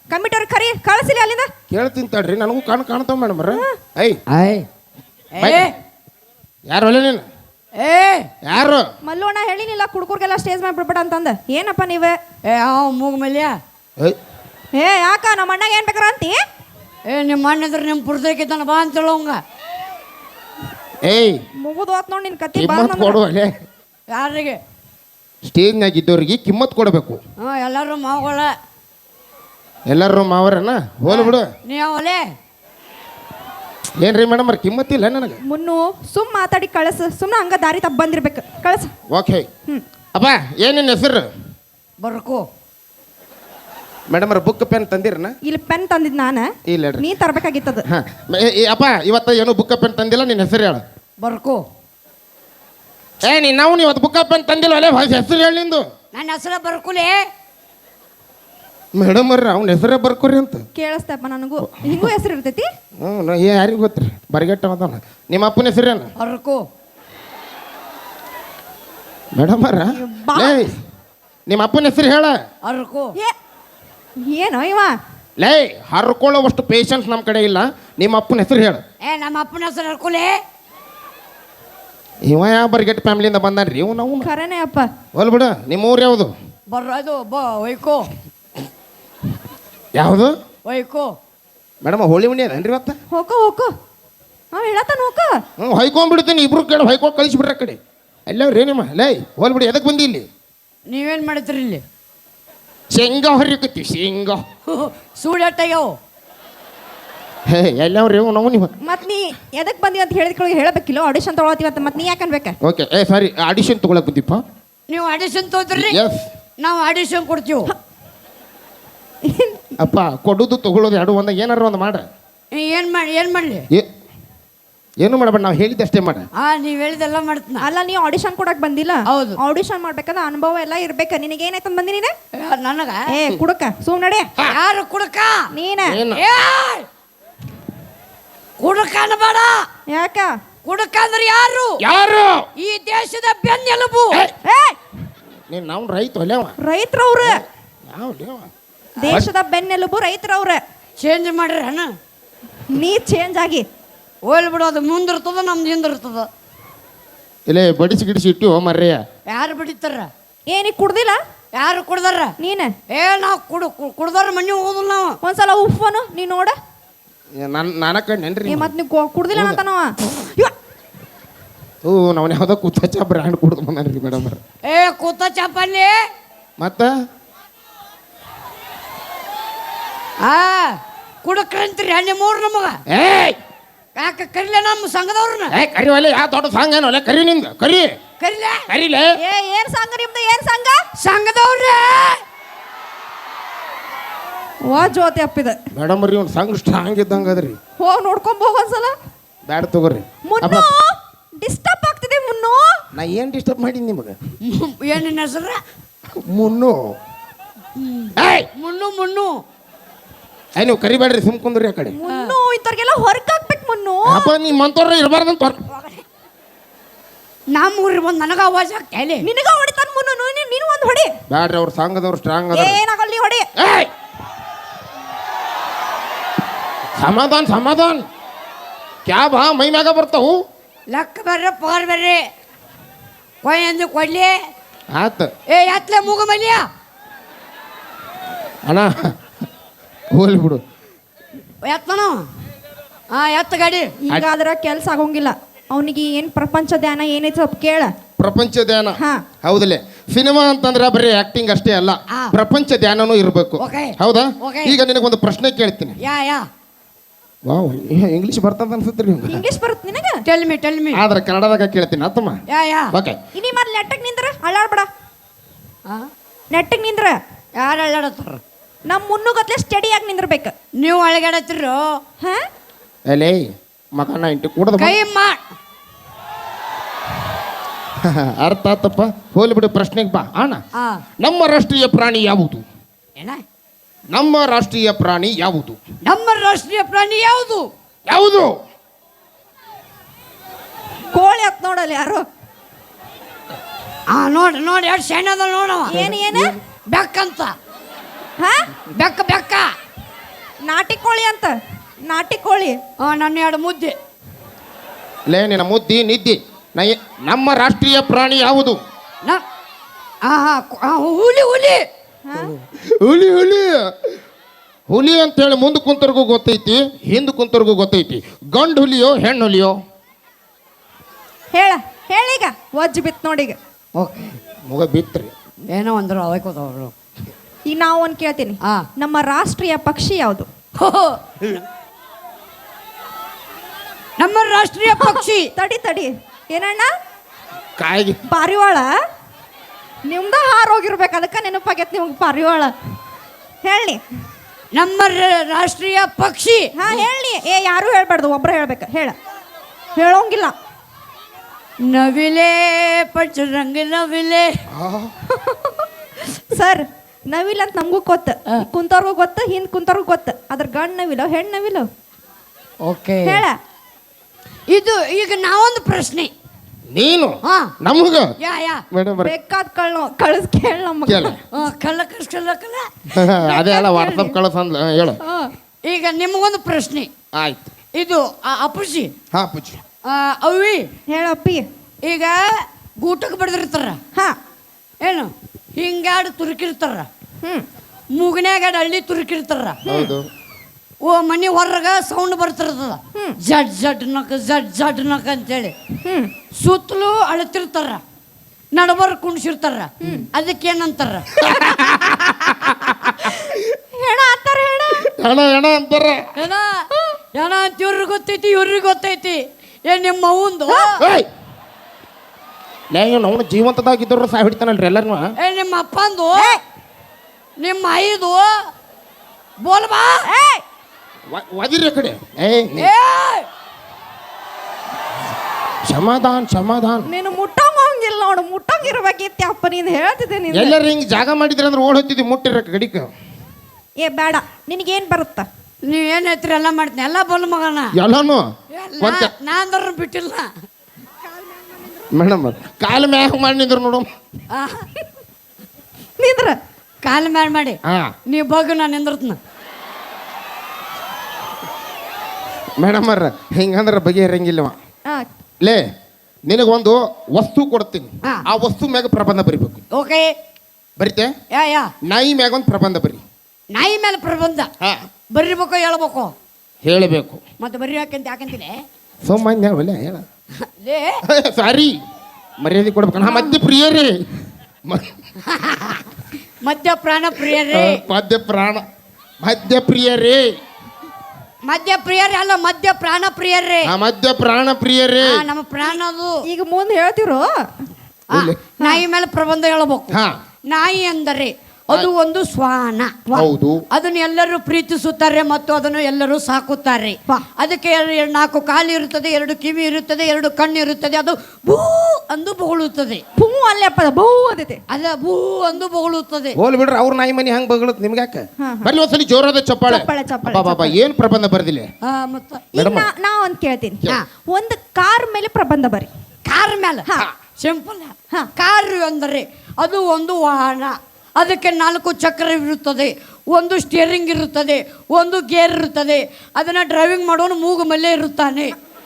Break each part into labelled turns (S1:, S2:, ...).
S1: ಕಮಿಟರ್ ಕರಿ ಕಳಿಸಿಲ್ಲ ಅಲ್ಲಿಂದ.
S2: ಕೇಳ್ತೀನಿ ತಡ್ರಿ, ನನಗೂ ಕಾಣ್ತಾವ ಮೇಡಮ್ ಅವ್ರ. ಯಾರು ಒಳ್ಳೆ ನೀನು? ಯಾರು?
S1: ಮಲ್ಲೋಣ ಹೇಳಿನಿಲ್ಲ ಕುಡ್ಕೂರ್ಗೆಲ್ಲ ಸ್ಟೇಜ್ ಮೇಲೆ ಬಿಡ್ಬೇಡ ಅಂತಂದ. ಏನಪ್ಪ ನೀವೇ?
S3: ಮೂಗ ಮೇಲೆ
S1: ಯಾಕ ನಮ್ಮ ಅಣ್ಣಗೆ ಏನ್ ಬೇಕಾರ ಅಂತಿ?
S3: ನಿಮ್ಮ ಅಣ್ಣ ಇದ್ರೆ ನಿಮ್ಮ ಪುರ್ದಕ್ಕಿದ್ದಾನ ಬಾ ಅಂತ ಹೇಳೋಂಗ.
S1: ಮುಗುದು ಹೋತ್ ನೋಡಿ ನಿನ್ ಕತ್ತಿ.
S2: ಕೊಡುವಲೆ
S3: ಯಾರಿಗೆ?
S2: ಸ್ಟೇಜ್ನಾಗ ಇದ್ದವ್ರಿಗೆ ಕಿಮ್ಮತ್ ಕೊಡಬೇಕು.
S3: ಎಲ್ಲರೂ ಮಾವುಗಳ.
S2: ಎಲ್ಲರೂ ಮಾವರನ ಹೋಲ್ ಬಿಡು.
S3: ನೀವಲೆ
S2: ಏನ್ರಿ ಮೇಡಮ್ ಅವ್ರ ಕಿಮ್ಮತ್ತಿಲ್ಲ ನನಗೆ.
S1: ಮುನ್ನು ಸುಮ್ ಮಾತಾಡಿ ಕಳಸ. ಸುಮ್ಮನೆ ಹಂಗ ದಾರಿ ತಪ್ಪ ಬಂದಿರ್ಬೇಕು. ಕಳಸ.
S2: ಓಕೆ. ಅಪ್ಪ ಏನೇನು ಹೆಸರು?
S3: ಬರ್ಕೋ.
S2: ಮೇಡಮ್ ಅವ್ರ ಬುಕ್ ಪೆನ್ ತಂದಿರನ?
S1: ಇಲ್ಲಿ ಪೆನ್ ತಂದಿದ್ ನಾನ.
S2: ಇಲ್ಲ
S1: ನೀ ತರ್ಬೇಕಾಗಿತ್ತದ.
S2: ಅಪ್ಪ ಇವತ್ತ ಏನು ಬುಕ್ ಪೆನ್ ತಂದಿಲ್ಲ, ನಿನ್ನ ಹೆಸರು ಹೇಳ.
S3: ಬರ್ಕೋ.
S2: ನಾವು ಇವತ್ತು ಬುಕ್ ಪೆನ್ ತಂದಿಲ್ಲ ಅಲ್ಲೇ ಹೆಸರು ಹೇಳಿ ನಿಂದು.
S3: ನನ್ನ ಹೆಸರ ಬರ್ಕುಲೇ.
S2: ಮೇಡಮ್ ಅವ್ರ ಅವ್ನ ಹೆಸರೇ ಬರ್ಕೋರಿ ಅಂತ
S1: ಕೇಳಿಸ್ತಪ್ಪ ನನಗೂ. ಹಿಂಗೂ ಹೆಸರು ಇರ್ತೈತಿ.
S2: ಯಾರಿಗೂ ಗೊತ್ತ್ರಿ ಬರಿಗಟ್ಟ ಅದಾನ. ನಿಮ್ಮ ಅಪ್ಪನ ಹೆಸರೇನು?
S3: ಬರ್ಕೋ.
S2: ಮೇಡಮ್ ಅವ್ರ ನಿಮ್ಮ ಅಪ್ಪನ ಹೆಸರು ಹೇಳ.
S3: ಅರ್ಕೋ.
S1: ಏನೋ ಇವ
S2: ಲೇ ಹರ್ಕೊಳ್ಳೋವಷ್ಟು ಪೇಷನ್ಸ್ ನಮ್ಮ ಕಡೆ ಇಲ್ಲ. ನಿಮ್ಮ ಅಪ್ಪನ ಹೆಸರು ಹೇಳು.
S3: ನಮ್ಮ ಅಪ್ಪನ ಹೆಸರು ಅರ್ಕುಲೇ.
S2: ಇವ ಯಾವ ಬರಿಗಟ್ಟ ಫ್ಯಾಮಿಲಿಯಿಂದ ಬಂದಾನ್ರಿ ಇವ್? ನಾವು
S1: ಖರೇನೆ ಅಪ್ಪ.
S2: ಹೋಲ್ ಬಿಡ. ನಿಮ್ಮ ಊರು ಯಾವುದು?
S3: ಅದು ವೈಕೋ.
S2: ಯಾವುದು?
S3: ವೈಕೋ.
S2: ಮೇಡಮ್ ಹೋಳಿ ಮಣಿ ಅದೇನ್ರಿ ಇವತ್ತ?
S1: ಹೋಕೋ ಹೋಕೋ. ಅವ ಹೇಳತ್ತಾನ ಹೋಕೋ.
S2: ಹೊಯ್ಕೊಂಡ್ಬಿಡ್ತೀನಿ. ಇಬ್ರು ಕೇಳಿ ಹೊಯ್ಕೊಂಡು ಕಳಿಸ್ಬಿಡ್ರ ಕಡೆ. ಎಲ್ಲವ್ರಿ ನಿಮ್ಮ ಲೇ ಹೋಲ್ ಬಿಡಿ. ಎದಕ್ಕೆ ಬಂದಿ ಇಲ್ಲಿ?
S3: ನೀವೇನು ಮಾಡ್ತೀರಿ ಇಲ್ಲಿ?
S2: ಶೇಂಗಾ ಹೊರಿಕತ್ತಿ. ಶೇಂಗಾ
S3: ಸೂಡಟ್ಟಾಗ್ಯಾವ.
S2: ಎಲ್ಲವ್ರಿ ನಾವು ನೀವು.
S1: ಮತ್ ನೀ ಎದಕ್ ಬಂದಿ ಅಂತ ಹೇಳಿದ್ಕೊಳ್ಳಿ ಹೇಳಬೇಕಿಲ್ಲ. ಆಡಿಷನ್ ತಗೊಳತ್ತೀವಿ ಅಂತ ಮತ್ ನೀ ಯಾಕೆ ಅನ್ಬೇಕ?
S2: ಓಕೆ ಸಾರಿ ಆಡಿಷನ್ ತಗೊಳಕ್ ಬಂದಿಪ್ಪ.
S3: ನೀವು ಆಡಿಷನ್ ತಗೋದ್ರಿ? ನಾವು ಆಡಿಷನ್ ಕೊಡ್ತೀವಿ.
S2: ಅಪ್ಪ ಕೊಡೋದು ತಗೊಳ್ಳೋದು ಎರಡು ಒಂದಾಗ ಏನಾರು ಒಂದು ಮಾಡ.
S3: ಏನು ಮಾಡಲಿ?
S2: ಏನು ಮಾಡಬೇಡ, ನಾವು ಹೇಳಿದ್ದಷ್ಟೇ ಮಾಡ.
S3: ನೀವು ಹೇಳಿದೆಲ್ಲ ಮಾಡ್ತೀನಿ.
S1: ಅಲ್ಲ ನೀ ಆಡಿಷನ್ ಕೊಡಕ್ ಬಂದಿಲ್ಲ.
S3: ಹೌದು.
S1: ಆಡಿಷನ್ ಮಾಡ್ಬೇಕಂದ್ರೆ ಅನುಭವ ಎಲ್ಲ ಇರ್ಬೇಕ. ನಿನಗೆ ಏನಾಯ್ತಂದ್ ಬಂದಿ ನೀನೆ?
S3: ನನಗ
S1: ಕುಡಕ ಸುಮ್ ನಡೆ.
S3: ಯಾರು ಕುಡಕ?
S1: ನೀನ.
S3: ಕುಡಕ ಅನ್ಬೇಡ.
S1: ಯಾಕ?
S3: ಕುಡಕ ಅಂದ್ರೆ ಯಾರು?
S2: ಯಾರು?
S3: ಈ ದೇಶದ ಬೆನ್ನೆಲುಬು.
S2: ನೀನು ನಾವು ರೈತ ಒಲೆವ.
S1: ರೈತರವ್ರ.
S2: ಯಾವ
S1: ದೇಶದ ಬೆನ್ನೆಲುಬು ರೈತರವ್ರ.
S3: ಚೇಂಜ್ ಮಾಡ್ರಿ ಅಣ್ಣ.
S1: ನೀ ಚೇಂಜ್ ಆಗಿ
S3: ಹೋಲ್ ಬಿಡೋದು. ಮುಂದಿರ್ತದ ನಮ್ದು ಹಿಂದಿರ್ತದ.
S2: ಇಲ್ಲೇ ಬಡಿಸಿ ಗಿಡಿಸಿ ಇಟ್ಟು ಮರ್ರೆಯ.
S3: ಯಾರು ಬಡಿತಾರ?
S1: ಏನಿ ಕುಡ್ದಿಲ್ಲ?
S3: ಯಾರು ಕುಡ್ದಾರ?
S1: ನೀನ.
S3: ನಾವು ಕುಡ್ದಾರ ಮಣ್ಣಿ ಹೋಗುದಿಲ್ಲ. ನಾವು
S1: ಒಂದ್ಸಲ ಉಫ್ಫನು ನೀ ನೋಡ.
S2: ನಾನ ಕಣ್ಣೇನ್ರಿ
S1: ಮತ್ ನೀ ಕುಡ್ದಿಲ್ಲ ಅಂತನವ.
S2: ನಾವು ಯಾವ್ದೋ ಕೂತ ಚಾ ಬ್ರ್ಯಾಂಡ್ ಕುಡ್ದು ಬಂದ್ರಿ ಮೇಡಮ್.
S3: ಕೂತ ಚಾಪಲ್ಲಿ
S2: ಮತ್ತ
S3: ಕುಡಕ್ರಂತ್ರಿ ಅಲ್ಲಿ ಮೂರು ನಮಗ. ಯಾಕೆ ಕರಿಲ ನಮ್ಮ ಸಂಘದವ್ರನ್ನ?
S2: ಕರಿ ಒಲೆ. ಯಾವ ದೊಡ್ಡ ಸಂಘ ಏನೋ ಒಲೆ. ಕರಿ ನಿಂದ ಕರಿ. ಕರಿಲೆ.
S1: ಏನ್ ಸಂಘ ನಿಮ್ದು? ಏನ್ ಸಂಘ?
S3: ಸಂಘದವ್ರೇ.
S1: ವಾ ಜ್ಯೋತಿ ಅಪ್ಪಿದ
S2: ಮೇಡಮ್ ರೀ ಒಂದು ಸಂಘ ಸ್ಟ್ರಾಂಗ್ ಇದ್ದಂಗ ಅದ್ರಿ.
S1: ಹೋಗ್ ನೋಡ್ಕೊಂಡ್ ಹೋಗ ಒಂದ್ಸಲ.
S2: ಬ್ಯಾಡ ತಗೋರಿ.
S1: ಮುನ್ನು ಡಿಸ್ಟರ್ಬ್ ಆಗ್ತಿದೆ. ಮುನ್ನು
S2: ನಾ ಏನ್ ಡಿಸ್ಟರ್ಬ್ ಮಾಡೀನಿ ನಿಮಗೆ?
S3: ಏನಿನ ಹೆಸರ?
S2: ಮುನ್ನು.
S3: ಮುನ್ನು ಮುನ್ನು.
S2: ನೀವು ಕರಿಬೇಡ್ರಿ, ಸುಮ್ ಕುಂದ್ರಿ ಆ ಕಡೆ.
S1: ಮುನ್ನು ಇಂಥವ್ರಿಗೆಲ್ಲ ಹೊರಗೆ ಹಾಕ್ಬೇಕು. ಮುನ್ನು
S2: ಅಪ್ಪ ನಿಮ್ಮಂತವ್ರ ಇರಬಾರ್ದಂತ.
S3: ನಮ್ಮೂರಿ ಬಂದು ನನಗ ಆವಾಜ್ ಆಗ್ತೇಲಿ.
S1: ನಿನಗ ಹೊಡಿತಾನ ಮುನ್ನು. ನೀನು ಒಂದು ಹೊಡಿ.
S2: ಬ್ಯಾಡ್ರಿ, ಅವ್ರ ಸಂಘದವ್ರು ಸ್ಟ್ರಾಂಗ್ ಅದ.
S1: ಏನಾಗಲ್ಲ, ನೀ ಹೊಡಿ.
S2: ಸಮಾಧಾನ ಸಮಾಧಾನ. ಕ್ಯಾ ಬಾ ಮೈ ಮ್ಯಾಗ ಬರ್ತಾವು.
S3: ಲೆಕ್ಕ ಬರ್ರಿ ಪಗಾರ ಬರ್ರಿ. ಕೊಯ್ ಅಂದು ಕೊಡ್ಲಿ.
S2: ಆತ
S3: ಎತ್ಲೆ ಮೂಗು ಮಲ್ಯ.
S2: ಅಣ್ಣ ಹೋಲಿ ಬಿಡು.
S3: ಎತ್ತನು. ಎತ್ತ ಗಾಡಿ.
S1: ಈಗಾದ್ರ ಕೆಲ್ಸ ಆಗೋಂಗಿಲ್ಲ ಅವನಿಗೆ. ಏನ್ ಪ್ರಪಂಚ ಧ್ಯಾನ ಏನೈತಿ ಸ್ವಲ್ಪ ಕೇಳ.
S2: ಪ್ರಪಂಚ ಧ್ಯಾನ ಹೌದಲ್ಲೇ. ಸಿನಿಮಾ ಅಂತಂದ್ರೆ ಬರೀ ಆಕ್ಟಿಂಗ್ ಅಷ್ಟೇ ಅಲ್ಲ, ಪ್ರಪಂಚ ಧ್ಯಾನನೂ ಇರಬೇಕು. ಹೌದಾ? ಈಗ ನಿನಗೊಂದು ಪ್ರಶ್ನೆ ಕೇಳ್ತೀನಿ. ವಾವ್, ಇಂಗ್ಲಿಷ್ ಬರ್ತದ ಅನ್ಸುತ್ತೀರಿ?
S1: ಇಂಗ್ಲಿಷ್ ಬರುತ್ತೆ ನಿನಗ?
S3: Tell me.
S2: ಆದ್ರೆ ಕನ್ನಡದಾಗ ಕೇಳ್ತೀನಿ ಆತಮ್ಮ. ಓಕೆ.
S1: ಇನಿ ಮೊದಲು ನೆಟ್ಟಗೆ ನಿಂದ್ರ ಅಳ್ಳಾಡ್ಬೇಡ. ನೆಟ್ಟಗೆ ನಿಂದ್ರ.
S3: ಯಾರು ಅಳ್ಳಾಡತ್ತಾರ?
S1: ನಮ್ಮ ಮುನ್ನುಗತ್ಲೆ ಸ್ಟಡಿಯಾಗಿ ನಿಂದ್ರಬೇಕು.
S3: ನೀವು ಅಳಗಾಡತ್ತಿರೋ?
S2: ಅಲೇ ಮಗನ ಇಂಟಿ ಕೂಡದ
S3: ಕೈ
S2: ಅರ್ಥ ಆತಪ್ಪ. ಹೋಲಿ ಬಿಡು, ಪ್ರಶ್ನೆಗೆ ಬಾ. ಅಣ್ಣ, ನಮ್ಮ ರಾಷ್ಟ್ರೀಯ ಪ್ರಾಣಿ ಯಾವುದು? ನಮ್ಮ ರಾಷ್ಟ್ರೀಯ ಪ್ರಾಣಿ ಯಾವುದು?
S3: ನಮ್ಮ ರಾಷ್ಟ್ರೀಯ ಪ್ರಾಣಿ ಯಾವುದು?
S2: ಯಾವುದು?
S1: ಕೋಳಿ ಹತ್ ನೋಡಲ್ಲ ಯಾರು.
S3: ನೋಡಿ ಎಷ್ಟು ಸಣ್ಣ ಅದ ನೋಡವ.
S1: ಏನು ಬೆಕ್ಕಂತ.
S3: ಬೆಕ್ಕ
S1: ನಾಟಿ ಕೋಳಿ ಅಂತ ನಾಟಿ ಕೋಳಿ.
S3: ನನ್ನ ಎರಡು ಮುದ್ದೆ.
S2: ಲೇ ನಿನ್ನ ಮುದ್ದಿ ನಿದ್ದಿ. ನಮ್ಮ ರಾಷ್ಟ್ರೀಯ ಪ್ರಾಣಿ ಯಾವುದು?
S3: ನ- ಆ, ಆ, ಹುಲಿ ಹುಲಿ
S2: ಹುಲಿ ಹುಲಿ ಹುಲಿ ಅಂತೇಳಿ ಮುಂದೆ ಕುಂತರ್ಗೂ ಗೊತ್ತೈತಿ, ಹಿಂದೆ ಕುಂತರ್ಗೂ ಗೊತ್ತೈತಿ. ಗಂಡು ಹುಲಿಯೋ ಹೆಣ್ಣು ಹುಲಿಯೋ?
S1: ಹೇಳೀಗ ವಜ್ಜ್ ಬಿತ್ ನೋಡೀಗ.
S3: ಓಕೆ,
S2: ಮುಗ ಬಿತ್ರಿ.
S3: ಏನೋ ಅಂದ್ರು ಅವೈಕೋತವ್ರು.
S1: ಈಗ ನಾವು ಒಂದು ಕೇಳ್ತೀನಿ,
S3: ಆ.
S1: ನಮ್ಮ ರಾಷ್ಟ್ರೀಯ ಪಕ್ಷಿ ಯಾವುದು?
S3: ನಮ್ಮ ರಾಷ್ಟ್ರೀಯ ಪಕ್ಷಿ
S1: ತಡಿ ಏನಣ್ಣ?
S2: ಕಾಯಿಗೆ
S1: ಪಾರಿವಾಳ. ನಿಮ್ದ ಹಾರೋಗಿರ್ಬೇಕು, ಅದಕ್ಕೆ ನೆನಪಾಗೈತೆ ನಿಮ್ಗೆ ಪಾರಿವಾಳ. ಹೇಳಿ.
S3: ನಮ್ಮ ರಾಷ್ಟ್ರೀಯ ಪಕ್ಷಿ.
S1: ಹಾ ಹೇಳಿ. ಯಾರು ಹೇಳ್ಬಾರ್ದು, ಒಬ್ರು ಹೇಳ್ಬೇಕು. ಹೇಳೋಂಗಿಲ್ಲ.
S3: ನವಿಲೆ ಪಂಚರಂಗ ನವಿಲೆ.
S1: ಸರ್, ನವಿಲ್ ಅಂತ ನಮಗೂ ಗೊತ್ತು, ಕುಂತವ್ರಿಗೂ ಗೊತ್ತು, ಹಿಂದ್ ಕುಂತವ್ರಿಗೂ ಗೊತ್ತು. ಅದ್ರ ಗಂಡ್ ನವಿಲೋ ಹೆಣ್ಣು ನವಿಲೋ?
S3: ಓಕೆ,
S1: ಹೇಳ.
S3: ಇದು ಈಗ ನಾವೊಂದು ಪ್ರಶ್ನೆ.
S2: ನೀನು
S3: ಹಾ
S2: ನಮಗ
S3: ಯಾ ಯಾ
S2: ಮೇಡಮ್
S1: ಬೇಕಾದ ಕಳಿಸ್ ಕೇಳ ನಮ್ಗೆ.
S3: ಕಲ್ಲ ಕಲ್ಲ ಕಲ್ಲ.
S2: ಅದೇ ಅಲ್ಲ ವಾಟ್ಸಪ್ ಕಳಿಸ್ ಅಂದ್ಲ. ಹೇಳು.
S3: ಈಗ ನಿಮಗೊಂದು ಪ್ರಶ್ನೆ.
S2: ಆಯ್ತು.
S3: ಇದು ಅಪ್ಪುಜಿ.
S2: ಹಾ ಪೂಜಿ.
S3: ಅವಿ
S1: ಹೇಳಪ್ಪಿ.
S3: ಈಗ ಗೂಟಕ್ಕೆ ಬಡ್ದಿರ್ತಾರ.
S1: ಹಾ
S3: ಏನು ಹಿಂಗಾಡು ತುರುಕಿರ್ತಾರ,
S1: ಹ್ಮ್
S3: ಮೂಗನ್ಯಾಗ ಹಳ್ಳಿ ತುರುಕಿರ್ತಾರ.
S2: ಹೌದು.
S3: ಓ ಮನೆ ಹೊರಗ ಸೌಂಡ್ ಬರ್ತಿರ್ತದ, ಜಡ್ ಜಡ್ ನಕ ಜಡ್ ಜಡ್ ನಕ ಅಂತೇಳಿ. ಸುತ್ತಲೂ ಅಳತಿರ್ತಾರ, ನಡಬರ್ ಕುಣಿಸಿರ್ತಾರ. ಅದಕ್ಕೇನಂತಾರ?
S1: ಹೇಳ ಅಂತಾರ.
S2: ಹೆಣ ಅಂತಾರ.
S3: ಏನ ಏನ ಅಂತ ಇವ್ರಿಗೆ ಗೊತ್ತೈತಿ, ಇವ್ರಿಗೆ ಗೊತ್ತೈತಿ. ನಿಮ್ಮ ಅವಂದು
S2: ಅವನು ಜೀವಂತದಾಗಿದ್ದವ್ರು ಸಹ ಹಿಡಿತಾನಲ್ರಿ ಎಲ್ಲರೂ.
S3: ನಿಮ್ಮ ಅಪ್ಪಂದು, ನಿಮ್ಮ ಐದು ಬೋಲ್ಬಾ.
S2: ಒದಿರಿ ಕಡೆ. ಸಮಾಧಾನ ಸಮಾಧಾನ.
S1: ನೀನು ಮುಟ್ಟಂಗಿಲ್ಲ ನೋಡು, ಮುಟ್ಟಂಗಿರ್ಬೇಕಿತ್ತು ಅಪ್ಪ. ನೀನು ಹೇಳ್ತಿದ್ದೆ ನೀನು.
S2: ಎಲ್ಲರೂ ಹಿಂಗೆ ಜಾಗ ಮಾಡಿದ್ರೆ ಅಂದ್ರೆ ಓಡ್ ಹೋಗ್ತಿದ್ವಿ ಮುಟ್ಟಿರ ಗಡಿಕ.
S1: ಬೇಡ, ನಿನಗೇನು ಬರುತ್ತಾ?
S3: ನೀವೇನು ಹೇಳ್ತೀರಿ ಎಲ್ಲ ಮಾಡ್ತೀನಿ. ಎಲ್ಲ ಬೋಲ್ ಮಗನ
S2: ಎಲ್ಲಾನು
S3: ನಾಂದ್ರ ಬಿಟ್ಟಿಲ್ಲ.
S2: ಮೇಡಮ್ ಕಾಲು ಮ್ಯಾಗ ಮಾಡಿ ನಿಂದ್ರು ನೋಡು.
S1: ನಿಂದ್ರ
S3: ಕಾಲು ಮ್ಯಾಲ್ ಮಾಡಿ ನೀವು ಬಗ್ಗೆ ನಾನು ನಿಂದ್ರತ್ನ.
S2: ಮೇಡಮ್ ಅವ್ರ ಹಿಂಗಂದ್ರೆ ಬಗೆಹರಂಗಿಲ್ಲವ. ಲೇ ನಿನಗೊಂದು ವಸ್ತು ಕೊಡ್ತೀನಿ, ಆ ವಸ್ತು ಮ್ಯಾಗ ಪ್ರಬಂಧ ಬರಿಬೇಕು.
S3: ಓಕೆ,
S2: ಬರಿತೆ?
S3: ಯಾ ಯಾ
S2: ನಾಯಿ ಮ್ಯಾಗ ಒಂದು ಪ್ರಬಂಧ ಬರಿ.
S3: ನಾಯಿ ಮೇಲೆ ಪ್ರಬಂಧ ಬರಿಬೇಕು, ಹೇಳ್ಬೇಕು,
S2: ಹೇಳಬೇಕು.
S3: ಮತ್ತೆ ಬರಿ ಯಾಕಂತೀನಿ
S2: ಸೋಮಾನ್ಯ ಒಲೆ ಹೇಳ.
S3: ಲೇ
S2: ಸಾರಿ, ಮರ್ಯಾದೆ ಕೊಡ್ಬೇಕು. ನಾ ಮಧ್ಯ ಪ್ರಿಯರೇ,
S3: ಮಧ್ಯ ಪ್ರಾಣ ಪ್ರಿಯರೇ.
S2: ಮಧ್ಯ ಪ್ರಾಣ ಮಧ್ಯ ಪ್ರಿಯರೇ.
S3: ಮಧ್ಯ ಪ್ರಿಯರೇ ಅಲ್ಲ, ಮಧ್ಯ ಪ್ರಾಣ ಪ್ರಿಯರೇ.
S2: ಮಧ್ಯ ಪ್ರಾಣ ಪ್ರಿಯರೇ.
S3: ನಮ್ಮ ಪ್ರಾಣ ಅದು.
S1: ಈಗ ಮುಂದೆ ಹೇಳ್ತಿರೋ.
S3: ನಾಯಿ ಮೇಲೆ ಪ್ರಬಂಧ ಹೇಳ್ಬೇಕು. ನಾಯಿ ಅಂದರೆ ಅದು ಒಂದು ಶ್ವಾನ.
S2: ಹೌದು.
S3: ಅದನ್ನು ಎಲ್ಲರೂ ಪ್ರೀತಿಸುತ್ತಾರೆ ಮತ್ತು ಅದನ್ನು ಎಲ್ಲರೂ ಸಾಕುತ್ತಾರೆ. ಅದಕ್ಕೆ 4 ಕಾಲು ಇರುತ್ತದೆ, 2 ಕಿವಿ ಇರುತ್ತದೆ, 2 ಕಣ್ಣು ಇರುತ್ತದೆ. ಅದು ಭೂ ಅಂದು ಬೊಗಳುತ್ತದೆ.
S1: ಭೂ ಅಲ್ಲಪ್ಪ, ಭೂ ಅದೈತೆ.
S3: ಅದ ಭೂ ಅಂದು ಬೊಗಳುತ್ತದೆ.
S2: ಹೋಲ್ ಬಿಡ್ರಿ, ಅವ್ರ ನಾಯಿ ಮನಿ ಹಂಗೆ ಬಗಳುತ್ತೆ ನಿಮ್ಗೆ ಯಾಕೆ? ಬರ್ಲಿ ಒಂದ್ಸಲಿ ಜೋರಾದ ಚಪ್ಪಾಳೆ. ಬಾಬಾ ಏನ್ ಪ್ರಬಂಧ ಬರ್ದಿಲ್ಲ?
S1: ನಾ ಒಂದ್ ಕೇಳ್ತೀನಿ. ಒಂದು ಕಾರ್ ಮೇಲೆ ಪ್ರಬಂಧ ಬರಿ.
S3: ಕಾರ್ ಮೇಲೆ ಸಿಂಪಲ್. ಕಾರ್ ಅಂದರೆ ಅದು ಒಂದು ವಾಹನ. ಅದಕ್ಕೆ 4 ಚಕ್ರ ಇರುತ್ತದೆ, ಒಂದು ಸ್ಟಿಯರಿಂಗ್ ಇರುತ್ತದೆ, ಒಂದು ಗೇರ್ ಇರುತ್ತದೆ. ಅದನ್ನ ಡ್ರೈವಿಂಗ್ ಮಾಡೋನು ಮೂಗು ಮಲ್ಲೆ ಇರುತ್ತಾನೆ.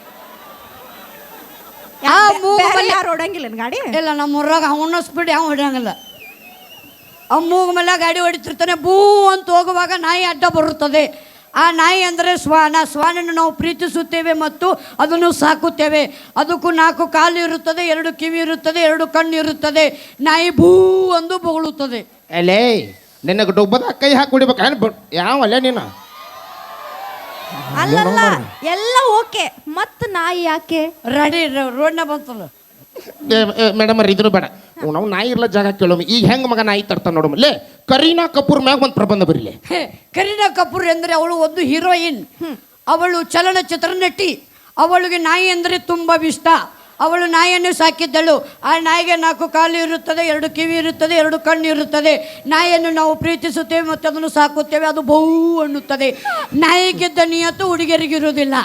S1: ಯಾರು ಹೊಡಂಗಿಲ್ಲ ಗಾಡಿ?
S3: ಇಲ್ಲ, ನಮ್ಮ ಊರಾಗ ಅವನ ಸ್ಪೀಡ್ ಯಾವ ಹೊಡೆಯಂಗಿಲ್ಲ. ಮೂಗು ಮೇಲೆ ಗಾಡಿ ಹೊಡಿತಿರ್ತಾನೆ. ಭೂ ಅಂತ ಹೋಗುವಾಗ ನಾಯಿ ಅಡ್ಡ ಬರುತ್ತದೆ. ಆ ನಾಯಿ ಅಂದರೆ ಶ್ವಾನ. ಶ್ವಾನನ್ನು ನಾವು ಪ್ರೀತಿಸುತ್ತೇವೆ ಮತ್ತು ಅದನ್ನು ಸಾಕುತ್ತೇವೆ. ಅದಕ್ಕೂ 4 ಕಾಲು ಇರುತ್ತದೆ, 2 ಕಿವಿ ಇರುತ್ತದೆ, 2 ಕಣ್ಣು ಇರುತ್ತದೆ. ನಾಯಿ ಭೂ ಎಂದು ಬೊಗಳುತ್ತದೆ.
S2: ಅಲ್ಲೇ ನಿನಗೆ ಡೊಬ್ಬದ ಕೈ ಹಾಕಿ ಹೊಡಿಬೇಕು. ಯಾವ ಅಲ್ಲೇ ನೀನು?
S1: ಅಲ್ಲಲ್ಲ, ಎಲ್ಲ ಓಕೆ. ಮತ್ ನಾಯಿ ಯಾಕೆ?
S3: ರೆಡಿ ರೋಡ್ನ ಬಂತಲ್ಲ
S2: ಮೇಡಮ್ ಅವ್ರ ಇದನ್ನು ಬೇಡ. ನಾವು ನಾಯಿ ಇರ್ಲ ಜಾಗ ಕೇಳೋಮ. ಈಗ ಹೆಂಗ್ ಮಗ ನಾಯಿ ತರ್ತಾನ ನೋಡಮಲ್ಲೇ. ಕರೀನಾ ಕಪೂರ್ ಮ್ಯಾಗ ಒಂದು ಪ್ರಬಂಧ ಬರಿಲೆ.
S3: ಕರೀನಾ ಕಪೂರ್ ಎಂದರೆ ಅವಳು ಒಂದು ಹೀರೋಯಿನ್. ಅವಳು ಚಲನಚಿತ್ರ ನಟಿ. ಅವಳಿಗೆ ನಾಯಿ ಅಂದರೆ ತುಂಬ ಇಷ್ಟ. ಅವಳು ನಾಯಿಯನ್ನು ಸಾಕಿದ್ದಳು. ಆ ನಾಯಿಗೆ 4 ಕಾಲು ಇರುತ್ತದೆ, 2 ಕಿವಿ ಇರುತ್ತದೆ, 2 ಕಣ್ಣು ಇರುತ್ತದೆ. ನಾಯಿಯನ್ನು ನಾವು ಪ್ರೀತಿಸುತ್ತೇವೆ ಮತ್ತು ಅದನ್ನು ಸಾಕುತ್ತೇವೆ. ಅದು ಬಹು ಅನ್ನುತ್ತದೆ. ನಾಯಿಗಿದ್ದ ನಿಯತ್ತು ಹುಡುಗಿಯರಿಗಿರುವುದಿಲ್ಲ.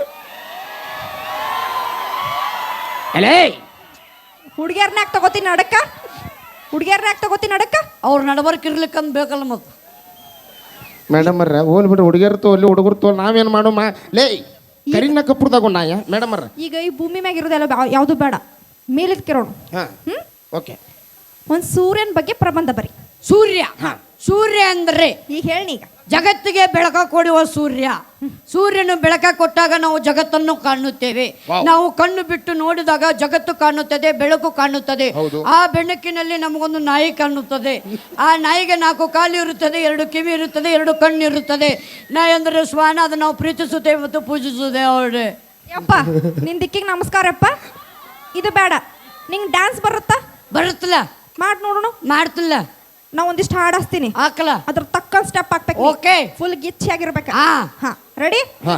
S2: ಅಲೇ
S1: ಹುಡುಗಿಯರ್ನಾಗ ತಗೋತೀನಿ ನಡಕ್ಕ.
S3: ಅವ್ರು ನಡಬರ್ಕ್ ಇರ್ಲಿಕ್ಕಂತ ಬೇಕಲ್ಲ. ಮತ್ತು
S2: ಮೇಡಮ್ ಅವ್ರ ಹೋಲ್ ಬಿಡ್ರಿ ಹುಡುಗಿಯರ್ ತೋಲಿ ಹುಡುಗರು ತೋಲ್ ನಾವೇನು ಮಾಡೋ ಲೇ ಕರಿನ ಕಪ್ಪುರ್ದಾಗ ನಾಯ ಮೇಡಮ್ ಅವ್ರ
S1: ಈಗ ಈ ಭೂಮಿ ಮ್ಯಾಗ ಇರೋದೆಲ್ಲ ಯಾವುದು ಬೇಡ ಮೇಲಿದ್ ಕೇಳೋಣ
S2: ಹಾಂ ಓಕೆ
S1: ಒಂದ್ ಸೂರ್ಯನ ಬಗ್ಗೆ ಪ್ರಬಂಧ ಬರಿ.
S3: ಸೂರ್ಯ ಸೂರ್ಯ ಅಂದ್ರೆ
S1: ಈಗ ಹೇಳಿ ಈಗ
S3: ಜಗತ್ತಿಗೆ ಬೆಳಕ ಕೊಡುವ ಸೂರ್ಯ. ಸೂರ್ಯನು ಬೆಳಕ ಕೊಟ್ಟಾಗ ನಾವು ಜಗತ್ತನ್ನು ಕಾಣುತ್ತೇವೆ. ನಾವು ಕಣ್ಣು ಬಿಟ್ಟು ನೋಡಿದಾಗ ಜಗತ್ತು ಕಾಣುತ್ತದೆ, ಬೆಳಕು ಕಾಣುತ್ತದೆ. ಆ ಬೆಳಕಿನಲ್ಲಿ ನಮಗೊಂದು ನಾಯಿ ಕಾಣುತ್ತದೆ. ಆ ನಾಯಿಗೆ 4 ಕಾಲು ಇರುತ್ತದೆ, 2 ಕಿವಿ ಇರುತ್ತದೆ, 2 ಕಣ್ಣು ಇರುತ್ತದೆ. ನಾಯಿ ಅಂದರೆ ಶ್ವಾನ, ಅದು ನಾವು ಪ್ರೀತಿಸುತ್ತೇವೆ ಮತ್ತು ಪೂಜಿಸುತ್ತೇವೆ. ಅವಳೆ
S1: ಯಪ್ಪ ನಿನ್ ದಿಕ್ಕಿಗೆ ನಮಸ್ಕಾರಪ್ಪ. ಇದು ಬೇಡ, ನಿಂಗೆ ಡ್ಯಾನ್ಸ್ ಬರುತ್ತಾ?
S3: ಬರುತ್ತಲ್ಲ,
S1: ಮಾಡ್ ನೋಡೋಣ.
S3: ಮಾಡ್ತಿಲ್ಲ.
S1: ನಾ ಒಂದಿಷ್ಟು ಹಾಡು ಹಚ್ತೀನಿ,
S3: ಹಾಕಲ್ಲ,
S1: ಅದ್ರ ತಕ್ಕಂತ ಸ್ಟೆಪ್ ಹಾಕ್ಬೇಕು.
S3: ಓಕೆ,
S1: ಫುಲ್ ಗಿಚ್ಚಿ ಆಗಿರ್ಬೇಕು.
S3: ಹಾ
S1: ರೆಡಿ?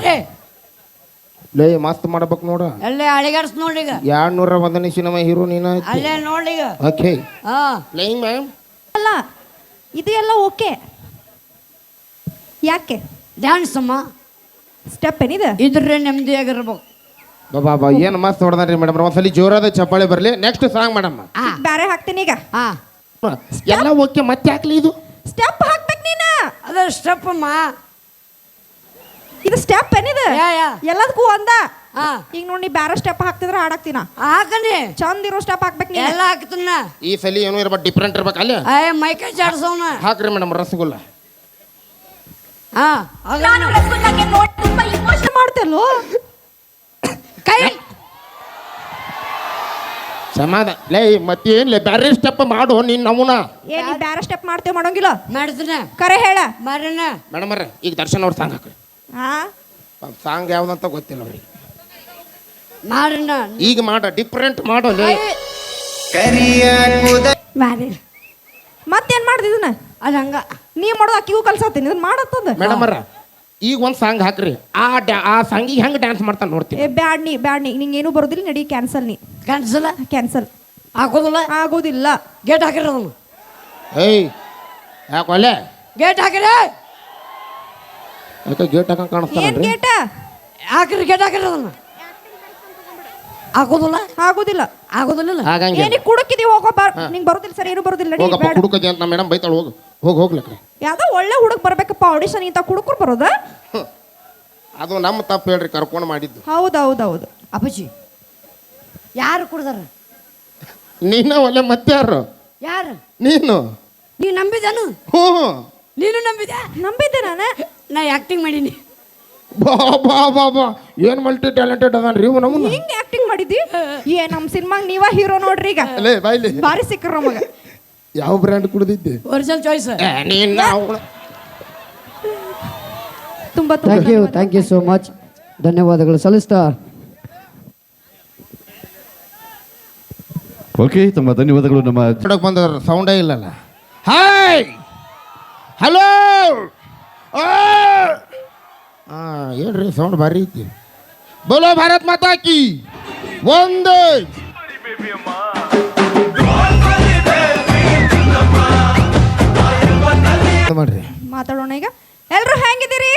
S2: ಲೇ ಮಸ್ತ್ ಮಾಡ್ಬೇಕು ನೋಡ.
S3: ಅಲ್ಲೇ ಅಳಿಗಾಡ್ಸ್ ನೋಡ್ರಿಗ
S2: 201ನೇ ಸಿನಿಮಾ ಹೀರೋ ನೀನ.
S3: ಅಲ್ಲೇ ನೋಡ್ರಿಗ.
S2: ಓಕೆ
S3: ಹಾ
S2: ಪ್ಲೇಯಿಂಗ್ ಮ್ಯಾಮ್.
S1: ಅಲ್ಲ ಇದು ಎಲ್ಲ ಓಕೆ, ಯಾಕೆ
S3: ಡ್ಯಾನ್ಸ್ ಅಮ್ಮ
S1: ಸ್ಟೆಪ್ ಏನಿದೆ?
S3: ಇದ್ರೆ ನೆಮ್ಮದಿಯಾಗಿರ್ಬೇಕು.
S2: ಬಾಬಾ ಏನು ಮಸ್ತ್ ಹೊಡೆದ್ರಿ ಮೇಡಮ್. ಒಂದ್ಸಲಿ ಜೋರಾದ ಚಪ್ಪಾಳೆ ಬರಲಿ. Next song madam.
S1: ಬೇರೆ ಹಾಕ್ತೀನಿ ಈಗ.
S3: ಹಾ
S2: ಎಲ್ಲ ಓಕೆ, ಮತ್ತೆ ಹಾಕ್ಲಿ ಇದು
S1: ಸ್ಟೆಪ್ ಹಾಕ್ಬೇಕು ನೀನ.
S3: ಅದ ಸ್ಟೆಪ್ ಅಮ್ಮ.
S1: ಇದು ಸ್ಟೆಪ್ ಏನಿದೆ? ಎಲ್ಲದಕ್ಕೂ ಒಂದ. ಈಗ ನೋಡಿ ಬೇರೆ ಸ್ಟೆಪ್ ಹಾಕ್ತಿದ್ರೆ ಹಾಡಾಕ್ತಿನ.
S3: ಹಾಕನಿ
S1: ಚಂದ ಇರೋ ಸ್ಟೆಪ್ ಹಾಕ್ಬೇಕು ನೀ.
S3: ಎಲ್ಲ ಹಾಕ್ತಿನ.
S2: ಈ ಸಲ ಏನೋ ಇರ್ಬೇಕು, ಡಿಫ್ರೆಂಟ್ ಇರ್ಬೇಕು. ಅಲ್ಲ
S3: ಮೈಕೈ ಜಾಡ್ಸೋನ
S2: ಹಾಕ್ರಿ ಮೇಡಮ್ ರಸಗುಲ್ಲ.
S3: ಹಾ
S1: ಮಾಡ್ತಲ್ಲೋ
S3: ಕೈ
S2: ಸಮಾಧಾನ. ಲೇ ಮತ್ತೇನ್ಲೇ ಬ್ಯಾರೆ ಸ್ಟೆಪ್ ಮಾಡು ನೀನ್ ನಮೂನ.
S1: ಏ ನೀ ಬೇರೆ ಸ್ಟೆಪ್ ಮಾಡ್ತೇವೆ ಮಾಡೋಂಗಿಲ್ಲ.
S3: ಮಾಡ್ತೀನ
S1: ಕರೆ ಹೇಳ
S3: ಮಾರನ.
S2: ಮೇಡಮ್ ಅವ್ರ ಈಗ ದರ್ಶನ್ ಅವ್ರ ಸಾಂಗ್ ಹಾಕ್ರಿ.
S1: ಹಾ
S2: ಸಾಂಗ್ ಯಾವ್ದಂತ ಗೊತ್ತಿಲ್ಲ ಅವ್ರಿಗೆ.
S3: ಮಾರನ
S2: ಈಗ ಮಾಡ, ಡಿಫ್ರೆಂಟ್ ಮಾಡೋ.
S3: ಮಾರಿ
S1: ಮತ್ತೇನ್ ಮಾಡ್ದಿದನ?
S3: ಅದ ಹಂಗ
S1: ನೀ ಮಾಡೋದು ಅಕ್ಕಿಗೂ ಕಲ್ಸತ್ತೀನಿ, ಇದನ್ನ ಮಾಡತ್ತದ.
S2: ಮೇಡಮ್ ಅವ್ರ ಈಗ ಒಂದ್ ಸಾಂಗ್ ಹಾಕ್ರಿ. ಆ ಸಾಂಗಿಗೆ ಹೆಂಗ್ ಡ್ಯಾನ್ಸ್ ಮಾಡ್ತಾನೆ ನೋಡ್ತೀನಿ.
S1: ಏ ಬ್ಯಾಡ್ ನೀ ನಿಂಗೆ ಏನೂ ಬರೋದಿಲ್ಲ. ನಡಿ ಕ್ಯಾನ್ಸಲ್. ನೀ
S3: ಕ್ಯಾನ್ಸಲ್
S1: ಕ್ಯಾನ್ಸಲ್
S3: ಹಾಕೋದಿಲ್ಲ.
S1: ಆಗೋದಿಲ್ಲ.
S3: ಗೇಟ್ ಹಾಕಿರೋದನ್ನು.
S2: ಏಯ್ ಯಾಕೊಲೆ
S3: ಗೇಟ್ ಹಾಕಿರಿ.
S2: ಯಾಕೆ ಗೇಟ್ ಹಾಕಂಗ್
S1: ಏನ್
S2: ಕಾಣಿಸ್ತಾನೆ?
S1: ಗೇಟ
S3: ಹಾಕಿರಿ, ಗೇಟ್ ಹಾಕಿರೋದನ್ನು. ಹಾಕೋದಿಲ್ಲ.
S1: ಆಗೋದಿಲ್ಲ.
S3: ಆಗೋದಿಲ್ಲ.
S2: ಹಾಗಂಗೆ
S1: ಏನಿಗೆ ಕುಡಕಿದೀವಿ ಹೋಗೋ ಬಾರ್. ನಿಂಗೆ ಬರೋದಿಲ್ಲ ಸರಿ, ಏನು ಬರೋದಿಲ್ಲ. ನಡಿ
S2: ಹೋಗಪ್ಪ
S1: ಬೇಡ.
S2: ಕುಡುಕದಿ ಅಂತ ಮೇಡಮ್ ಬೈತಾಳ. ಹೋಗ್ಲಕ್ಕ.
S1: ಯಾವ್ದೋ ಒಳ್ಳೆ ಹುಡುಗ ಬರ್ಬೇಕಪ್ಪ ಆಡಿಷನ್. ಇಂತ ಕುಡುಕರು ಬರೋದ?
S2: ಅದು ನಮ್ಮ ತಪ್ಪು ಹೇಳ್ರಿ, ಕರ್ಕೊಂಡು ಮಾಡಿದ್ದು.
S1: ಹೌದೌದೌದು.
S3: ಅಪ್ಪಾಜಿ ಯಾರು ಕುಡ್ದಾರ?
S2: ನೀನ ಒಳ್ಳೆ ಮತ್ತೆ ಯಾರು?
S3: ಯಾರು?
S2: ನೀನು.
S3: ನೀ ನಂಬಿದನು?
S2: ಹ್ಞೂ
S3: ನೀನು ನಂಬಿದ್ಯಾ?
S1: ನಂಬಿದ್ದೆ ನಾನು.
S3: ನಾ ಆಕ್ಟಿಂಗ್ ಮಾಡೀನಿ.
S2: ಬಾ ಏನ್ ಮಲ್ಟಿ ಟ್ಯಾಲೆಂಟೆಡ್ ಅದಾನ್ರಿ ಇವು. ನಮ್ಮನ್ನ
S1: ಹಿಂಗ್ ಆಕ್ಟಿಂಗ್ ಮಾಡಿದ್ದಿ? ಏ ನಮ್ ಸಿನಿಮಾಗ ನೀವ ಹೀರೋ ನೋಡ್ರಿ. ಈಗ
S2: ಅಲ್ಲೇ ಬಾಯ್ಲಿ
S1: ಬಾರಿ ಸಿಕ್ಕ್ರ ನಮಗ.
S2: ಯಾವ ಬ್ರ್ಯಾಂಡ್ ಕುಡ್ದಿದ್ದೆ?
S3: Original choice.
S1: ತುಂಬಾ
S4: ಥ್ಯಾಂಕ್ ಯು ಸೋ ಮಚ್. ಧನ್ಯವಾದಗಳು ಸಲ್ಲಿಸ್ತಾ.
S5: ಓಕೆ, ತಮ್ಮ ಧನ್ಯವಾದಗಳು. ನಮ್ಮ
S2: ಬಂದ ಸೌಂಡೇ ಇಲ್ಲಲ್ಲ. Hi hello. ಹೇಳ್ರಿ ಸೌಂಡ್ ಭಾರಿ ಐತಿ. ಬೋಲೋ ಭಾರತ್ ಮಾತಾ ಕಿ ಒಂದೇ. ಮಾಡ್ರಿ
S1: ಮಾತಾಡೋಣ ಈಗ. ಎಲ್ರು ಹೆಂಗಿದ್ದೀರಿ?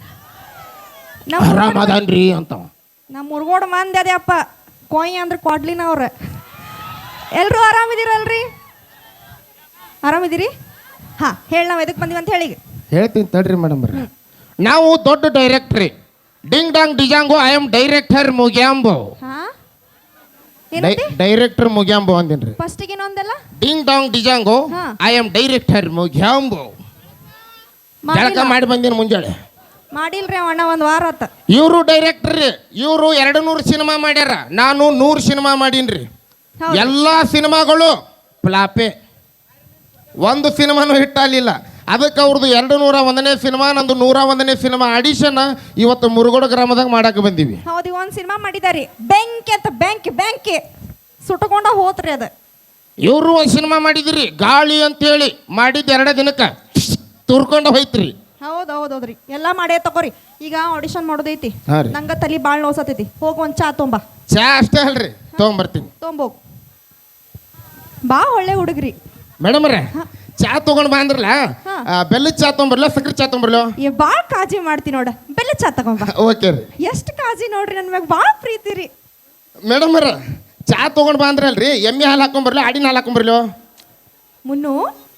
S2: ಆರಾಮದಾನ್ರಿ ಅಂತ
S1: ನಮ್ಮ ಮುರ್ಗೋಡ್ ಮಂದಿ ಅದೇ ಅಪ್ಪ. ಕೊಯ್ ಅಂದ್ರೆ ಕೊಡ್ಲಿನ ಅವ್ರ. ಎಲ್ರು ಆರಾಮಿದ್ದೀರಲ್ರಿ? ಆರಾಮಿದ್ದೀರಿ? ಹಾ ಹೇಳಿ, ನಾವು ಎದಕ್ಕೆ ಬಂದೀವಿ ಅಂತ ಹೇಳಿ.
S2: ಹೇಳ್ತೀನಿ ತಡ್ರಿ ಮೇಡಮ್ ಬರ್ರಿ. ನಾವು ದೊಡ್ಡ ಡೈರೆಕ್ಟ್ರಿ. ಡಿಂಗ್ ಡಾಂಗ್ ಡಿಜಾಂಗೋ. ಐ ಆಮ್ ಡೈರೆಕ್ಟರ್ ಮುಗ್ಯಾಂಬೋ.
S1: ಹಾ
S2: ಡೈರೆಕ್ಟರ್ ಮುಗ್ಯಾಂಬೋ ಅಂದೇನ್ರಿ.
S1: ಫಸ್ಟಿಗೆ ಇನ್ನೊಂದೆಲ್ಲ
S2: ಡಿಂಗ್ ಡಾಂಗ್ ಡಿಜಾಂಗೋ. ಐ ಆಮ್ ಡೈರೆಕ್ಟರ್ ಮುಗ್ಯಾಂಬೋ. ಜಳಕ ಮಾಡಿ ಬಂದೇನು ಮುಂಜಾನೆ.
S1: ಮಾಡಿಲ್ರಿ ಅಣ್ಣ, ಒಂದು ವಾರ ಆತ.
S2: ಇವರು ಡೈರೆಕ್ಟರ್. ಇವರು 200 ಸಿನಿಮಾ ಮಾಡ್ಯಾರ. ನಾನು 100 ಸಿನಿಮಾ ಮಾಡೀನ್ರಿ. ಎಲ್ಲಾ ಸಿನಿಮಾಗಳು ಫ್ಲಾಪೆ. ಒಂದು ಸಿನಿಮಾನು ಹಿಟ್ ಆಗಲಿಲ್ಲ. ಅದಕ್ಕೆ ಅವ್ರದ್ದು 201ನೇ ಸಿನಿಮಾ, ನಂದು 101ನೇ ಸಿನಿಮಾ ಆಡಿಷನ್ ಇವತ್ತು ಮುರುಗೋಡು ಗ್ರಾಮದಾಗ ಮಾಡಕ್ಕೆ ಬಂದೀವಿ.
S1: ಹೌದು, ಒಂದು ಸಿನಿಮಾ ಮಾಡಿದಾರಿ ಬೆಂಕಿ ಅಂತ. ಬೆಂಕಿ ಸುಟ್ಟಕೊಂಡ ಹೋತ್ರಿ ಅದ.
S2: ಇವರು ಒಂದು ಸಿನಿಮಾ ಮಾಡಿದ್ರಿ ಗಾಳಿ ಅಂತೇಳಿ. ಮಾಡಿದ್ದು 2 ದಿನಕ್ಕೆ ತುರ್ಕೊಂಡು ಹೋಯ್ತ್ರಿ.
S1: ಹೌದೌದ್ರಿ, ಎಲ್ಲ ಮಾಡೇ ತಗೋರಿ. ಈಗ ಆಡಿಷನ್ ಮಾಡೋದೈತಿ.
S2: ಹಾಂ ರೀ.
S1: ನಂಗೆ ತಲೆ ಭಾಳ ನೋಸತೈತಿ. ಹೋಗಿ ಒಂದು ಚಾ ತೊಂಬ.
S2: ಚಾ ಅಷ್ಟೇ ಅಲ್ರಿ, ತೊಗೊಂಬರ್ತೀನಿ.
S1: ತೊಂಬೋಗ್ ಬಾ. ಒಳ್ಳೆ ಹುಡುಗ್ರಿ
S2: ಮೇಡಮ್ ರೇ. ಚಾ ತೊಗೊಂಡು ಬಂದ್ರಲ್ಲ, ಬೆಲ್ಲದ ಚಾ ತೊಗೊಂಬರ್ಲ ಸಕ್ರೆ ಚಾ ತೊಗೊಂಬರ್ಲ?
S1: ಭಾಳ ಕಾಳಜಿ ಮಾಡ್ತೀನಿ ನೋಡ. ಬೆಲ್ಲ ಚಾ ತಗೊಂಬ.
S2: ಓಕೆ ರೀ.
S1: ಎಷ್ಟು ಕಾಳಜಿ ನೋಡ್ರಿ, ನನ್ನ ಮ್ಯಾಗ ಭಾಳ ಪ್ರೀತಿ ರೀ.
S2: ಮೇಡಮ್ ಅವ್ರ ಚಾ ತೊಗೊಂಡು ಬಂದ್ರಲ್ರಿ, ಎಮ್ಮೆ ಹಾಲು ಹಾಕೊಂಬರ್ಲಿ ಆಡಿನ ಹಾಲು ಹಾಕೊಂಬರ್ಲಿ?
S1: ಮುನ್ನು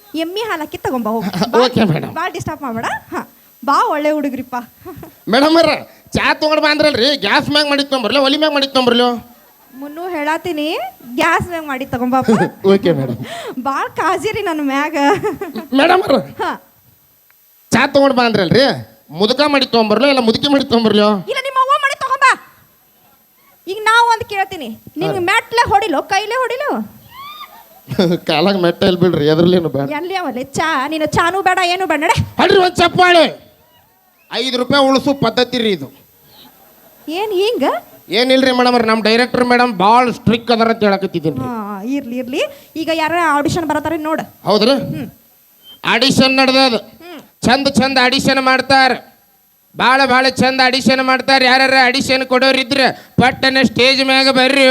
S1: ಎಮ್ಮಿ ಹಾಲಕ್ಕಿ ತಗೊಂಬಾ ಹೋಗಿ
S2: ಓಕೆ ಮೇಡಮ್.
S1: ಭಾಳ ಡಿಸ್ಟರ್ಬ್ ಮಾಡಬೇಡ ಹಾಂ ಬಾ ಒಳ್ಳೆ ಹುಡುಗ್ರಿಪ್ಪ
S2: ಮೇಡಮ್ ಅವ್ರ ಚಾ ತೊಗೊಂಡು ಬಂದ್ರಲ್ರಿ ಗ್ಯಾಸ್ ಮ್ಯಾಗ ಮಾಡಿ ತೊಗೊಂಬರ್ಲಿ ಒಲಿ ಮ್ಯಾಗ ಮಾಡಿ ತೊಗೊಂಬರ್ಲಿ
S1: ಮುನ್ನು ಹೇಳತ್ತೀನಿ ಗ್ಯಾಸ್ ಮ್ಯಾಗ ಮಾಡಿ ತಗೊಂಬಾಪ
S2: ಓಕೆ ಮೇಡಮ್.
S1: ಭಾಳ ಕಾಜಿರಿ ನನ್ನ ಮ್ಯಾಗ
S2: ಮೇಡಮ್ ಅವ್ರ
S1: ಹಾಂ
S2: ಚಾ ತೊಗೊಂಡು ಬಂದ್ರಲ್ರಿ ಮುದುಕ ಮಾಡಿ ತೊಗೊಂಬರ್ಲಿ ಇಲ್ಲ ಮುದುಕಿ ಮಾಡಿ ತೊಗೊಂಬರ್ಲಿ
S1: ಇಲ್ಲ ನಿಮ್ಮ ಅವ್ವ ಮಾಡಿ ತಗೊಂಬಾ ಈಗ ನಾವು ಒಂದು ಕೇಳ್ತೀನಿ ನಿನ್ಗೆ ಮೆಟ್ಲೆ ಹೊಡಿಲೋ ಕೈಲೇ ಹೊಡಿಲೋ
S2: ಕಾಲಾಗ ಮೆಟ್ಟ ಎಲ್ಲಿ ಬಿಡ್ರಿ ಎದ್ರಲ್ಲೇನು ಬೇಡ
S1: ಎಲ್ಲಿ ಅವಲ್ಲ ಚಾ ನೀನು ಚಾನು ಬೇಡ ಏನು ಬೇಡ ನಡೆ
S2: ಅಲ್ರಿ ಒಂದು ಚಪ್ಪಾಳೆ ₹5 ಉಳಿಸು ಪದ್ಧತಿ ರೀ ಇದು
S1: ಏನು ಹಿಂಗ
S2: ಏನಿಲ್ರಿ ಮೇಡಮ್ ಅವ್ರ ನಮ್ಮ ಡೈರೆಕ್ಟರ್ ಮೇಡಮ್ ಭಾಳ ಸ್ಟ್ರಿಕ್ ಅದಾರ ಅಂತ ಹೇಳಕತ್ತಿದ್ದೀನಿ.
S1: ಹಾಂ ಇರ್ಲಿ ಇರ್ಲಿ ಈಗ ಯಾರ ಆಡಿಷನ್ ಬರತ್ತಾರ ನೋಡು
S2: ಹೌದ್ರಿ ಆಡಿಷನ್ ನಡೆದದ ಚಂದ ಆಡಿಷನ್ ಮಾಡ್ತಾರ ಭಾಳ ಚಂದ ಆಡಿಷನ್ ಮಾಡ್ತಾರೆ. ಯಾರ್ಯಾರ ಆಡಿಷನ್ ಕೊಡೋರಿದ್ರೆ ಪಟ್ಟನೆ ಸ್ಟೇಜ್ ಮ್ಯಾಗ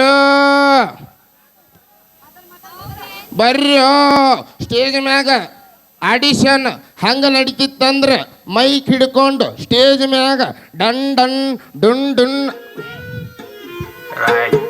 S2: ಬರ್ರಿ ಸ್ಟೇಜ್ ಮ್ಯಾಗ ಆಡಿಷನ್ ಹಂಗ ನಡೀತಿತ್ತಂದ್ರೆ ಮೈಕ್ ಹಿಡ್ಕೊಂಡು ಸ್ಟೇಜ್ ಮ್ಯಾಗ ಡನ್ ಡನ್ ಡುನ್ ಡುನ್